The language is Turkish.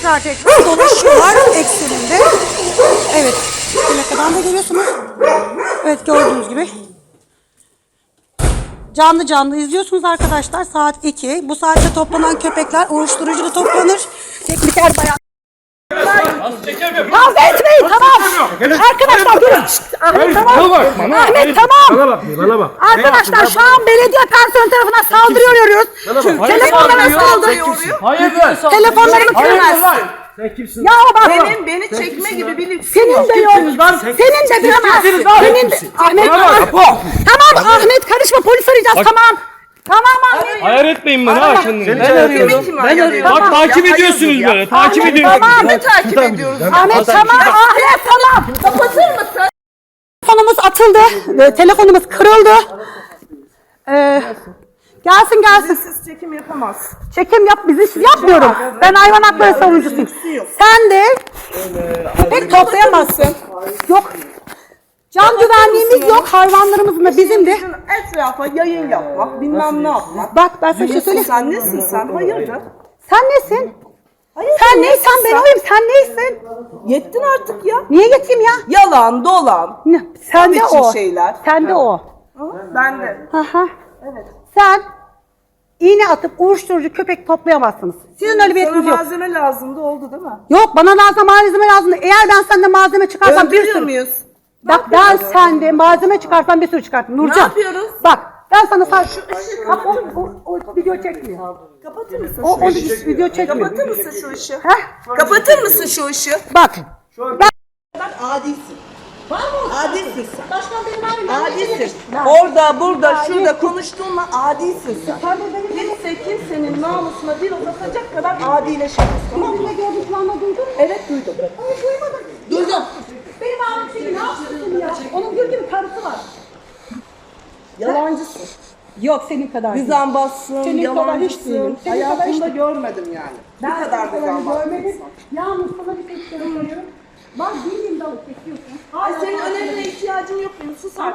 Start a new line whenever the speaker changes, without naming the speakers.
tekrar dolaşıyorlar ekseninde. Evet. Plakadan da görüyorsunuz. Evet, gördüğünüz gibi. Canlı canlı izliyorsunuz arkadaşlar. Saat 2. Bu saatte toplanan köpekler uyuşturucu da toplanır. Tekniker bayan. Kavga etmeyin, tamam. Arkadaşlar durun. Ahmet tamam. Ahmet tamam.
Bana bak.
Arkadaşlar şu an belediye personeli tarafından saldırıyoruz. Telefonlarına saldırıyor.
Hayırdır?
Telefonlarını kırmaz.
Sen kimsin?
Ya bak.
Beni çekme gibi bir lüksün
Senin
yok.
de yok. Senin de bilemezsin. Senin de. Ahmet tamam Ahmet karışma, polis arayacağız, tamam. Tamam Ahmet.
Ayar etmeyin beni ha kendini.
Ben arıyorum.
Ben arıyorum.
Bak takip ediyorsunuz böyle. Takip ediyorsunuz.
Tamam.
Ne takip ediyoruz?
Ahmet tamam. Ahmet tamam.
Kapatır mısın?
Telefonumuz atıldı. Telefonumuz kırıldı. Gelsin.
Siz çekim yapamaz.
Çekim yap, biz iş yapmıyorum. Ben hayvan hakları savunucusuyum. Sen de pek toplayamazsın. Yok. Can güvenliğimiz yok. Hayvanlarımızın da bizim de.
Etrafa yayın yapmak, bilmem ne yapmak.
Bak ben sana bir şey söyleyeyim.
Sen nesin sen? Hayırdır?
Sen nesin?
Hayırdır?
Sen neysen ben oyum. Sen neysin?
Yettin artık ya.
Niye geçeyim ya?
Yalan, dolan.
Sen de
biçim
o.
şeyler.
Sen de o.
Ben de.
Aha.
Evet.
Sen iğne atıp uyuşturucu köpek toplayamazsınız. Sizin öyle bir
Sana
yetkiniz yok.
malzeme lazımdı, oldu değil mi?
Yok, bana lazım malzeme lazım. Eğer ben senden malzeme çıkarsam bir
Öldürüyor
sürü.
muyuz?
Bak ben sende malzeme çıkarsam bir sürü çıkartırım. Nurcan.
Ne yapıyoruz?
Bak ben sana sadece bak o video çekmiyor.
Kapatır mısın
O
şu ışığı?
video çekmiyor.
Kapatır mısın şu ışığı?
Heh.
Kapatır mısın şu ışığı?
Bak.
Adisin. Adisin sen.
Başkan benim abim.
Adisin. Orada, burada, şurada konuştuğunla adisin sen. Kimse kimsenin namusuna dil uzatacak kadar adileşemez. Tamam mı?
Ne gördün kulağına duydun mu?
Evet duydum.
Hayır duymadım.
Duydum.
Benim abim seni ne yapsın ya? Onun gül gibi karısı var.
Yalancısın.
Yok senin kadar. değil.
Düzenbazsın,
Senin kadar hiç değilim.
yalancısın.
Senin kadar hiç
Hayatımda görmedim yani. Bu kadar düzenbaz.
görmedim. Yalnız sana bir tek söylüyorum. Bak bildiğin dalı çekiyorsun.
Ay senin önemine ihtiyacın yok benim. Sus artık.